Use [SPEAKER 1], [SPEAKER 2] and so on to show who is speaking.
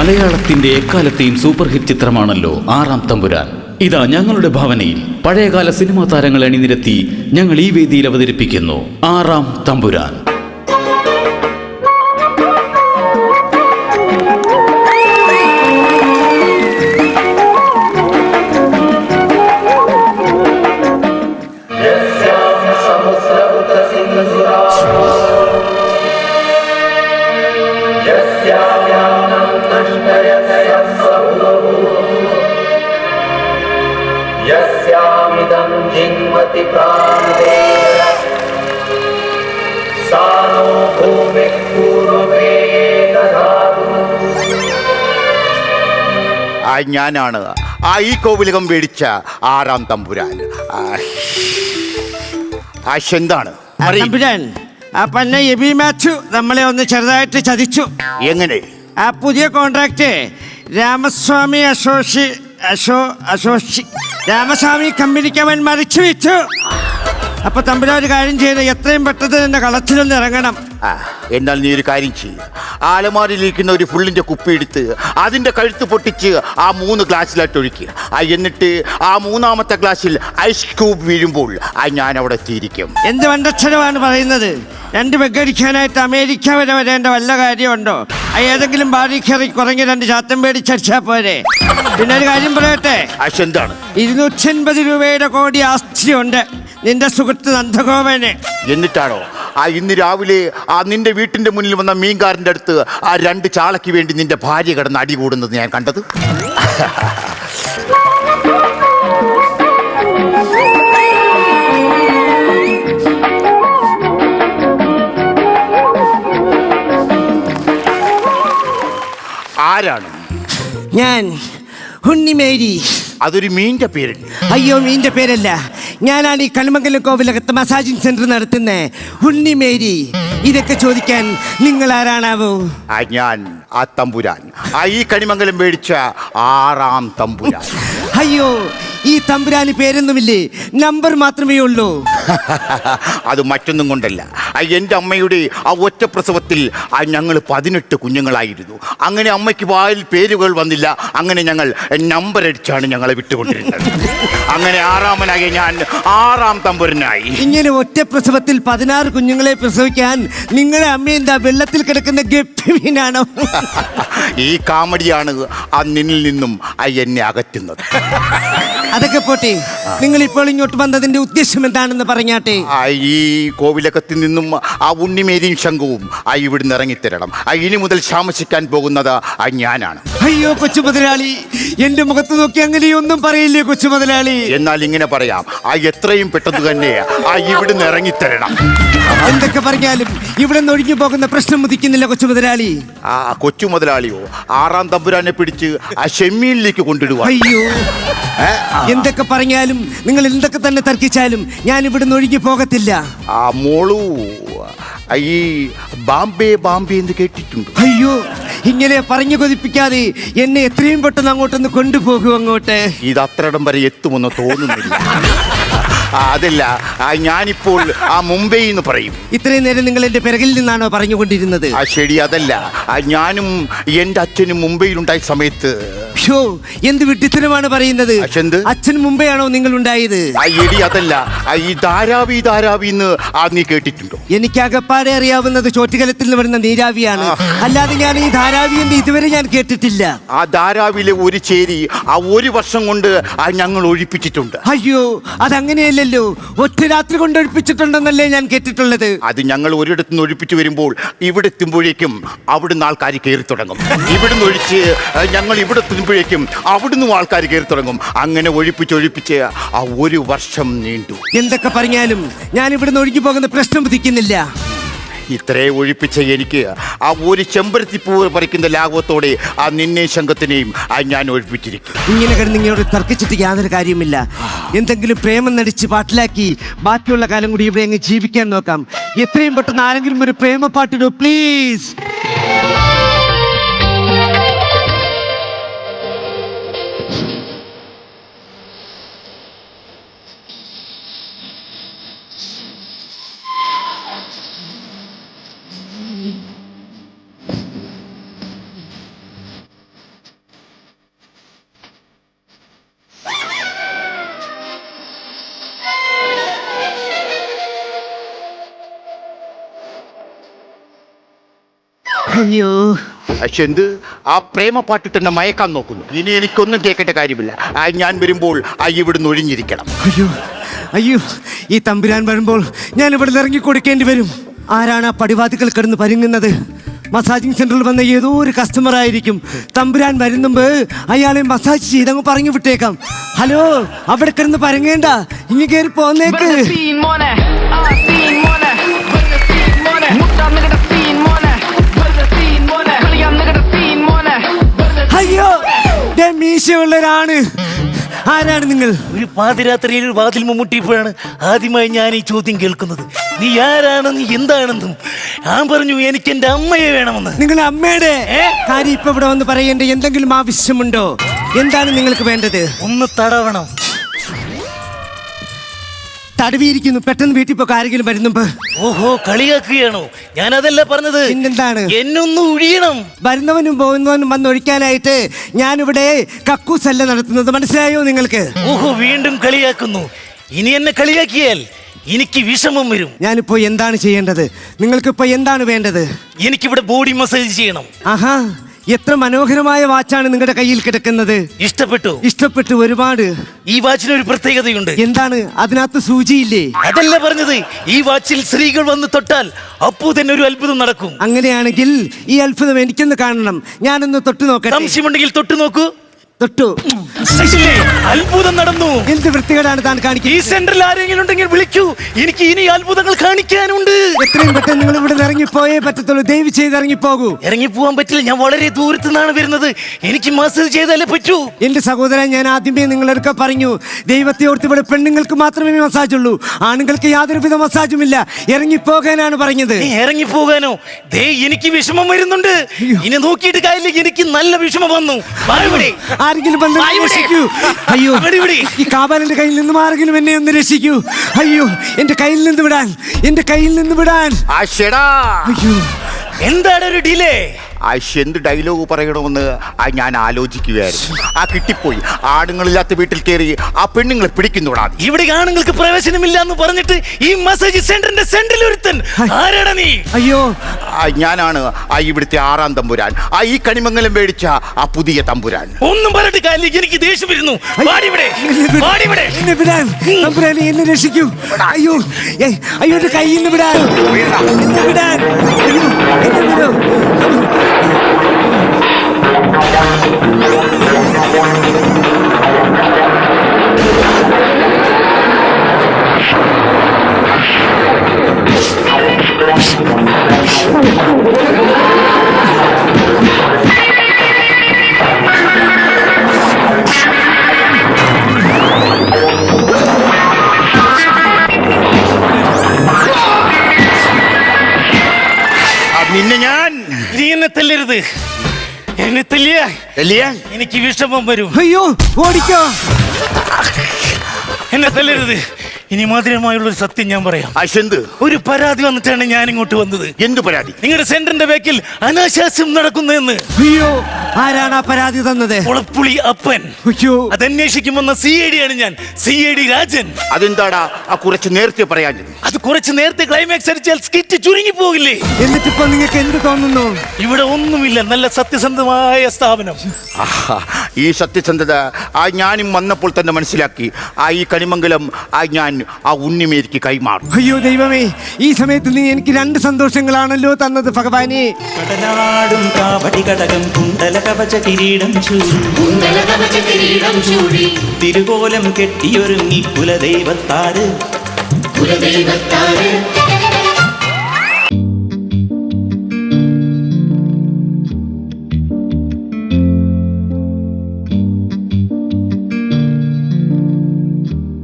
[SPEAKER 1] മലയാളത്തിന്റെ എക്കാലത്തെയും super hit ചിത്രമാണല്ലോ ആറാം തമ്പുരാൻ. ഇതാ ഞങ്ങളുടെ ഭാവനയിൽ പഴയകാല സിനിമാ താരങ്ങളെ അണിനിരത്തി ഞങ്ങൾ ഈ വേദിയിൽ അവതരിപ്പിക്കുന്നു ആറാം തമ്പുരാൻ.
[SPEAKER 2] ഞാനാണ് ഈ കോവിലകം മേടിച്ച ആറാം തമ്പുരാൻ. എന്താണ്
[SPEAKER 3] തമ്പുരാൻ? ആ പന്ന എബി മാത്യു നമ്മളെ ഒന്ന് ചെറുതായിട്ട് ചതിച്ചു.
[SPEAKER 2] എങ്ങനെ?
[SPEAKER 3] ആ പുതിയ കോൺട്രാക്ട് രാമസ്വാമി രാമസ്വാമി കമ്പനിക്ക് അവൻ മറിച്ചു വെച്ചു. അപ്പൊ തമ്പുരാൻ ഒരു കാര്യം ചെയ്ത് എത്രയും പെട്ടെന്ന് എന്റെ കളത്തിലൊന്ന് ഇറങ്ങണം.
[SPEAKER 2] എന്നാൽ നീ ഒരു കാര്യം ചെയ്യും, ആലമാരിലിരിക്കുന്ന ഒരു ഫുള്ളിന്റെ കുപ്പി എടുത്ത് അതിന്റെ കഴുത്ത് പൊട്ടിച്ച് ആ 3 ഗ്ലാസ്സിലായിട്ട് ഒഴിക്കുക. എന്നിട്ട് ആ 3ാമത്തെ ഗ്ലാസ്സിൽ ഐസ് ക്യൂബ് വീഴുമ്പോൾ ഞാൻ അവിടെ എത്തിയിരിക്കും.
[SPEAKER 3] എന്ത് വണ്ടക്ഷരമാണ് പറയുന്നത്? 2 ബെഗടിക്കാനായിട്ട് അമേരിക്ക വരെ വരേണ്ട വല്ല കാര്യമുണ്ടോ? ഏതെങ്കിലും ബാറി കയറി കുറഞ്ഞ 2 ചാത്തം മേടിച്ചടിച്ചാ പോരെ. പിന്നെ ഒരു കാര്യം പറയട്ടെ.
[SPEAKER 2] എന്താണ്?
[SPEAKER 3] 250 രൂപയുടെ കോടി ആസ്തിയുണ്ട് നിന്റെ സുഹൃത്ത് നന്ദഗോപന്.
[SPEAKER 2] എന്നിട്ടാണോ ഇന്ന് രാവിലെ നിന്റെ വീട്ടിന്റെ മുന്നിൽ വന്ന മീൻകാരൻ്റെ അടുത്ത് 2 ചാളയ്ക്ക് വേണ്ടി നിന്റെ ഭാര്യ കിടന്ന് അടി കൂടുന്നത് ഞാൻ കണ്ടത്? ആരാണ്?
[SPEAKER 3] ഞാൻ ഉണ്ണിമേരി.
[SPEAKER 2] അതൊരു മീൻ്റെ പേരല്ലേ?
[SPEAKER 3] അയ്യോ, മീൻ്റെ പേരല്ല. ഞാനാണ് ഈ കണിമംഗലം കോവിലകത്ത് മസാജിങ് സെന്റർ നടത്തുന്ന ഉണ്ണിമേരി. ഇതൊക്കെ ചോദിക്കാൻ നിങ്ങൾ ആരാണാവോ?
[SPEAKER 2] ഞാൻ ആ തമ്പുരാൻ, ഈ കണിമംഗലം മേടിച്ച ആറാം തമ്പുരാൻ.
[SPEAKER 3] അയ്യോ, ഈ തമ്പുരാന് പേരൊന്നുമില്ലേ, നമ്പർ മാത്രമേ ഉള്ളൂ.
[SPEAKER 2] അത് മറ്റൊന്നും കൊണ്ടല്ല, എൻ്റെ അമ്മയുടെ ആ ഒറ്റ പ്രസവത്തിൽ ഞങ്ങൾ 18 കുഞ്ഞുങ്ങളായിരുന്നു. അങ്ങനെ അമ്മയ്ക്ക് വായിൽ പേരുകൾ വന്നില്ല. അങ്ങനെ ഞങ്ങൾ നമ്പർ അടിച്ചാണ് ഞങ്ങളെ വിട്ടുകൊണ്ടിരുന്നത്. അങ്ങനെ ആറാമനായ ഞാൻ ആറാം തമ്പുരനായി.
[SPEAKER 3] ഇങ്ങനെ ഒറ്റ പ്രസവത്തിൽ 16 കുഞ്ഞുങ്ങളെ പ്രസവിക്കാൻ നിങ്ങളെ അമ്മ എന്താ വെള്ളത്തിൽ കിടക്കുന്ന ഗപ്പിമീനാണോ?
[SPEAKER 2] ഈ കാമഡിയാണ് നിന്നിൽ നിന്നും എന്നെ അകറ്റുന്നത്.
[SPEAKER 3] അതൊക്കെ പോട്ടെ, നിങ്ങൾ ഇപ്പോൾ ഇങ്ങോട്ട് വന്നതിന്റെ ഉദ്ദേശം എന്താണെന്ന് പറഞ്ഞാട്ടെ.
[SPEAKER 2] ഈ കോവിലകത്തിൽ നിന്നും ആ ഉണ്ണിമേരിയും ശംഖുവും ഇവിടുന്ന് ഇറങ്ങിത്തരണം. ഇനി മുതൽ ശാമസിക്കാൻ പോകുന്നത് ഞാനാണ്.
[SPEAKER 3] അയ്യോ കൊച്ചു മുതലാളി, എന്റെ മുഖത്ത് നോക്കി അങ്ങനെയൊന്നും പറയില്ലേ കൊച്ചു മുതലാളി.
[SPEAKER 2] എന്നാൽ ഇങ്ങനെ പറയാം, എത്രയും പെട്ടെന്ന് തന്നെ ഇവിടുന്ന് ഇറങ്ങിത്തരണം.
[SPEAKER 3] എന്തൊക്കെ പറഞ്ഞാലും ഇവിടെ നിന്ന് ഒഴിഞ്ഞു പോകുന്ന പ്രശ്നം ഉദിക്കുന്നില്ല കൊച്ചു മുതലാളി.
[SPEAKER 2] കൊച്ചു മുതലാളിയോ ആറാം തമ്പുരാനെ പിടിച്ച് ഷെമ്മീനിലേക്ക് കൊണ്ടിടുക.
[SPEAKER 3] അയ്യോ, എന്തൊക്കെ പറഞ്ഞാലും നിങ്ങൾ എന്തൊക്കെ തന്നെ തർക്കിച്ചാലും ഞാൻ ഇവിടുന്ന് ഒഴിഞ്ഞു പോകത്തില്ല.
[SPEAKER 2] മോളു ഈ ബാംബെ ബാംബെ എന്ന് കേട്ടിട്ടുണ്ട്?
[SPEAKER 3] അയ്യോ, ഇങ്ങനെ പറഞ്ഞു കൊതിപ്പിക്കാതെ എന്നെ എത്രയും പെട്ടെന്ന് അങ്ങോട്ടൊന്ന് കൊണ്ടുപോകൂ. അങ്ങോട്ട്
[SPEAKER 2] ഇത് അത്രയിടം വരെ എത്തുമെന്ന് തോന്നുന്നില്ല. അതല്ല, ഞാനിപ്പോൾ മുംബൈ എന്ന് പറയും.
[SPEAKER 3] ഇത്രയും നേരം നിങ്ങൾ എന്റെ പിറകിൽ നിന്നാണോ പറഞ്ഞുകൊണ്ടിരുന്നത്?
[SPEAKER 2] ശരി, അതല്ല, ഞാനും എൻ്റെ അച്ഛനും മുംബൈയിലുണ്ടായ സമയത്ത്.
[SPEAKER 3] എന്ത് വിഡ്ഢിത്തരമാണ് പറയുന്നത്? അച്ഛൻ മുംബൈ ആണോ നിങ്ങൾ ഉണ്ടായത്?
[SPEAKER 2] എടി അതല്ല, ഈ ധാരാവി ധാരാവി എന്ന് നീ കേട്ടിട്ടുണ്ടോ?
[SPEAKER 3] എനിക്ക് അകപ്പാടെ അറിയാവുന്നത് ചോറ്റുകലത്തിൽ നിന്ന് വരുന്ന നീരാവിയാണ്. അല്ലാതെ ഞാൻ ഈ ധാരാവി എന്ന് ഇതുവരെ ഞാൻ കേട്ടിട്ടില്ല.
[SPEAKER 2] ആ ധാരാവിലെ ഒരു ചേരി 1 വർഷം കൊണ്ട് ഞങ്ങൾ ഒഴിപ്പിച്ചിട്ടുണ്ട്.
[SPEAKER 3] അയ്യോ, അതങ്ങനെയല്ലല്ലോ, ഒറ്റ രാത്രി കൊണ്ട് ഒഴിപ്പിച്ചിട്ടുണ്ടെന്നല്ലേ ഞാൻ കേട്ടിട്ടുള്ളത്.
[SPEAKER 2] അത് ഞങ്ങൾ ഒരിടത്തു നിന്ന് ഒഴിപ്പിച്ചു വരുമ്പോൾ ഇവിടെ എത്തുമ്പോഴേക്കും അവിടുന്ന് ആൾക്കാർ കയറി തുടങ്ങും. ഇവിടുന്ന് ഒഴിച്ച് ഞങ്ങൾ ഇവിടെ എത്തുമ്പോഴേക്കും അവിടുന്ന് ആൾക്കാർ കയറി തുടങ്ങും. അങ്ങനെ ഒഴിപ്പിച്ച് 1 വർഷം നീണ്ടു.
[SPEAKER 3] എന്തൊക്കെ പറഞ്ഞാലും ഞാൻ ഇവിടുന്ന് ഒഴുകി പോകുന്ന പ്രശ്നം ഉദിക്കുന്നില്ല.
[SPEAKER 2] ഇത്രേ ഒഴിപ്പിച്ച എനിക്ക് ഒരു ചെമ്പരത്തിപ്പൂ പറിക്കുന്ന ലാഘവത്തോടെ നിന്നെ ശംഖത്തിനെയും ഞാൻ ഒഴിപ്പിച്ചിരിക്കും.
[SPEAKER 3] ഇങ്ങനെ കിടന്ന് ഇങ്ങോട്ട് തർക്കിച്ചിട്ട് യാതൊരു കാര്യമില്ല. എന്തെങ്കിലും പ്രേമം നടിച്ച് പാട്ടിലാക്കി ബാക്കിയുള്ള കാലം കൂടി ഇവിടെ അങ്ങ് ജീവിക്കാൻ നോക്കാം. എത്രയും പെട്ടെന്ന് ആരെങ്കിലും ഒരു പ്രേമ പാട്ടിടൂ പ്ലീസ്. അയ്യോ
[SPEAKER 2] പക്ഷെ എന്ത് ആ പ്രേമപ്പാട്ടിട്ട് എന്നെ മയക്കാൻ നോക്കുന്നു. ഇനി എനിക്കൊന്നും കേൾക്കേണ്ട കാര്യമില്ല. ഞാൻ വരുമ്പോൾ ഇവിടുന്ന് ഒഴിഞ്ഞിരിക്കണം.
[SPEAKER 3] അയ്യോ അയ്യോ, ഈ തമ്പുരാൻ വരുമ്പോൾ ഞാൻ ഇവിടെ ഇറങ്ങി കൊടുക്കേണ്ടി വരും. ആരാണ് ആ പടിവാതിക്കൽ കിടന്ന് പരുങ്ങുന്നത്? മസാജിങ് സെന്ററിൽ വന്ന ഏതോ ഒരു കസ്റ്റമർ ആയിരിക്കും. തമ്പുരാൻ വരുന്നുമ്പ് അയാളെ മസാജ് ചെയ്തങ്ങ് പറഞ്ഞു വിട്ടേക്കാം. ഹലോ, അവിടെ കിടന്ന് പരങ്ങേണ്ട, ഇനി കയറി പോന്നേക്ക്. അയ്യോ, മീശയുള്ളവരാണ്. ആരാണ് നിങ്ങൾ?
[SPEAKER 4] ഒരു പാതിരാത്രിയിൽ ഒരു വാതിൽ മുട്ടിയപ്പോഴാണ് ആദ്യമായി ഞാൻ ഈ ചോദ്യം കേൾക്കുന്നത്. നീ ആരാണെന്ന് എന്താണെന്നും ഞാൻ പറഞ്ഞു എനിക്ക് എന്റെ അമ്മയെ വേണമെന്ന്.
[SPEAKER 3] നിങ്ങളുടെ അമ്മയുടെ കാര്യം ഇപ്പൊ ഇവിടെ വന്ന് പറയേണ്ട എന്തെങ്കിലും ആവശ്യമുണ്ടോ? എന്താണ് നിങ്ങൾക്ക് വേണ്ടത്?
[SPEAKER 4] ഒന്ന് തടവണം.
[SPEAKER 3] തടവിയിരിക്കുന്നു. പെട്ടെന്ന് വീട്ടിൽ പോയി ആരെങ്കിലും വരുന്നുമ്പോ.
[SPEAKER 4] ഓഹോ, കളിയാക്കുകയാണോ? ഞാൻ അതല്ല പറഞ്ഞത്.
[SPEAKER 3] പിന്നെന്താണ്?
[SPEAKER 4] എന്നൊന്ന് ഒഴിയണം.
[SPEAKER 3] വരുന്നവനും പോകുന്നവനും വന്നൊഴിക്കാനായിട്ട് ഞാനിവിടെ കക്കൂസല്ല നടത്തുന്നത്, മനസ്സിലായോ നിങ്ങൾക്ക്?
[SPEAKER 4] ഓഹോ, വീണ്ടും കളിയാക്കുന്നു. ഇനി എന്നെ കളിയാക്കിയാൽ എനിക്ക് വിഷമം വരും.
[SPEAKER 3] ഞാനിപ്പോ എന്താണ് ചെയ്യേണ്ടത്? നിങ്ങൾക്കിപ്പോ എന്താണ് വേണ്ടത്?
[SPEAKER 4] എനിക്കിവിടെ ബോഡി മസാജ് ചെയ്യണം.
[SPEAKER 3] ആഹാ, എത്ര മനോഹരമായ വാച്ചാണ് നിങ്ങളുടെ കയ്യിൽ കിടക്കുന്നത്.
[SPEAKER 4] ഇഷ്ടപ്പെട്ടു?
[SPEAKER 3] ഇഷ്ടപ്പെട്ടു ഒരുപാട്.
[SPEAKER 4] ഈ വാച്ചിന് ഒരു പ്രത്യേകതയുണ്ട്.
[SPEAKER 3] എന്താണ്? അതിനകത്ത് സൂചിയില്ലേ?
[SPEAKER 4] അതല്ല പറഞ്ഞത്. ഈ വാച്ചിൽ സ്ത്രീകൾ വന്ന് തൊട്ടാൽ അപ്പോ തന്നെ ഒരു അത്ഭുതം നടക്കും.
[SPEAKER 3] അങ്ങനെയാണെങ്കിൽ ഈ അത്ഭുതം എനിക്കൊന്ന് കാണണം. ഞാനൊന്ന് തൊട്ടു നോക്കട്ടെ.
[SPEAKER 4] സംശയമുണ്ടെങ്കിൽ തൊട്ടു നോക്കൂ.
[SPEAKER 3] തൊട്ടു.
[SPEAKER 4] അത്ഭുതം നടന്നു.
[SPEAKER 3] എന്ത് വൃത്തികേടാണ് താൻ കാണിക്കുന്നത്?
[SPEAKER 4] ഈ സെന്ററിൽ ആരെങ്കിലും ഉണ്ടെങ്കിൽ വിളിക്കൂ. എനിക്ക് ഇനി അത്ഭുതങ്ങൾ കാണിക്കാനുണ്ട്.
[SPEAKER 3] എത്രയും പെട്ടെന്ന് നിങ്ങൾ ഇവിടെ ഇറങ്ങിപ്പോയേ പറ്റത്തുള്ളൂ. ദയവ് ചെയ്ത് ഇറങ്ങിപ്പോകൂ.
[SPEAKER 4] ഇറങ്ങിപ്പോവാൻ പറ്റില്ല. ഞാൻ വളരെ ദൂരത്തു നിന്നാണ് വരുന്നത്. എനിക്ക് മസാജ് ചെയ്താലേ പറ്റൂ.
[SPEAKER 3] എന്റെ സഹോദരൻ, ഞാൻ ആദ്യമേ നിങ്ങളൊക്കെ പറഞ്ഞു, ദൈവത്തെ ഓർത്ത് ഇവിടെ പെണ്ണുങ്ങൾക്ക് മാത്രമേ മസാജ് ഉള്ളൂ, ആണുങ്ങൾക്ക് യാതൊരുവിധ മസാജും ഇല്ല. ഇറങ്ങിപ്പോകാനാണ് പറഞ്ഞത്.
[SPEAKER 4] ഇറങ്ങിപ്പോകാനോ? ദേ, എനിക്ക് വിഷമം വരുന്നുണ്ട്. ഇനി നോക്കിയിട്ട് കാര്യമില്ല. എനിക്ക് നല്ല വിഷമം വന്നു.
[SPEAKER 3] ആരെങ്കിലും വന്ന് രക്ഷിക്കൂ. അയ്യോ, ഈ കാബാലിന്റെ കയ്യിൽ നിന്നും ആരെങ്കിലും എന്നെ ഒന്ന് രക്ഷിക്കൂ. അയ്യോ, എന്റെ കയ്യിൽ നിന്ന് വിടാൻ, എന്റെ കയ്യിൽ നിന്ന് വിടാൻ. അയ്യോ,
[SPEAKER 4] എന്താണ് ഒരു ഡിലേ?
[SPEAKER 2] എന്ത് ഡയലോഗ് പറയണമെന്ന് ഞാൻ ആലോചിക്കുകയായിരുന്നു. കിട്ടിപ്പോയി. ആണുങ്ങളില്ലാത്ത വീട്ടിൽ കയറി ആ പെണ്ണുങ്ങളെ പിടിക്കുന്നോടാ.
[SPEAKER 4] ഇവിടെ ആണുങ്ങൾക്ക് പ്രവേശനമില്ല എന്ന് പറഞ്ഞിട്ട് ഈ മസാജ് സെന്ററിന്റെ സെന്ററിൽ ഒരുത്തൻ. ആരാടാ നീ?
[SPEAKER 3] അയ്യോ,
[SPEAKER 2] ഞാനാണ് ഇവിടുത്തെ 6-ാം തമ്പുരാൻ. ഈ കണിമംഗലം മേടിച്ച ആ പുതിയ തമ്പുരാൻ.
[SPEAKER 4] ഒന്നും പറഞ്ഞിട്ട് കാര്യമില്ല. എനിക്ക് ദേഷ്യം വരുന്നു.
[SPEAKER 3] തമ്പുരാനെ, എന്നെ രക്ഷിക്കൂ. അയ്യോ അയ്യോ, എന്റെ കയ്യിൽ നിന്ന് വിടാൻ, എന്നെ വിടാൻ. അയ്യോ, എന്നെ വിടൂ.
[SPEAKER 2] നിന്നെ ഞാൻ
[SPEAKER 4] നീ എന്നെ തല്ലരുത്. എന്നെ തല്ലിയാൽ എനിക്ക് വിഷമം വരും.
[SPEAKER 3] അയ്യോ, ഓടിക്കോ.
[SPEAKER 4] എന്നെ തല്ലരുത്. ഇനി മധുരമായുള്ള ഒരു സത്യം ഞാൻ പറയാം. ഒരു പരാതി വന്നിട്ടാണ് ഞാൻ ഇങ്ങോട്ട് വന്നത്.
[SPEAKER 2] എന്ത് പരാതി?
[SPEAKER 4] നിങ്ങളുടെ സെന്ററിന്റെ ബാക്കിൽ അനാശാസ്യം നടക്കുന്നതെന്ന്.
[SPEAKER 3] അയ്യോ, ആരാണ് ആ പരാതി തന്നത്?
[SPEAKER 4] കുളപ്പുളി അപ്പൻ.
[SPEAKER 3] അയ്യോ,
[SPEAKER 4] അതന്വേഷിക്കും വന്ന CID ആണ് ഞാൻ. CID രാജൻ.
[SPEAKER 2] അതെന്താടാ കുറച്ച് നേരത്തെ പറയാൻ?
[SPEAKER 4] അത് കുറച്ച് നേരത്തെ ക്ലൈമാക്സ് അടിച്ചാൽ സ്കിറ്റ് ചുരുങ്ങി പോകില്ലേ?
[SPEAKER 3] എന്നിട്ടിപ്പോ നിങ്ങൾക്ക് എന്ത് തോന്നുന്നു?
[SPEAKER 4] ഇവിടെ ഒന്നുമില്ല. നല്ല സത്യസന്ധമായ സ്ഥാപനം.
[SPEAKER 2] ഈ സത്യസന്ധത ഞാനും വന്നപ്പോൾ തന്നെ മനസ്സിലാക്കി. ഈ കണിമംഗലം ഞാൻ ഉണ്ണിമേരിക്ക് കൈമാറും.
[SPEAKER 3] അയ്യോ ദൈവമേ, ഈ സമയത്ത് നീ എനിക്ക് 2 സന്തോഷങ്ങളാണല്ലോ തന്നത് ഭഗവാനെ.
[SPEAKER 5] കടനാടും കാവടി കടകം കുണ്ടല കവച കിരീടം ചൂടി തിരുകോലം കെട്ടിയൊരുങ്ങി കുലദൈവത്താറ്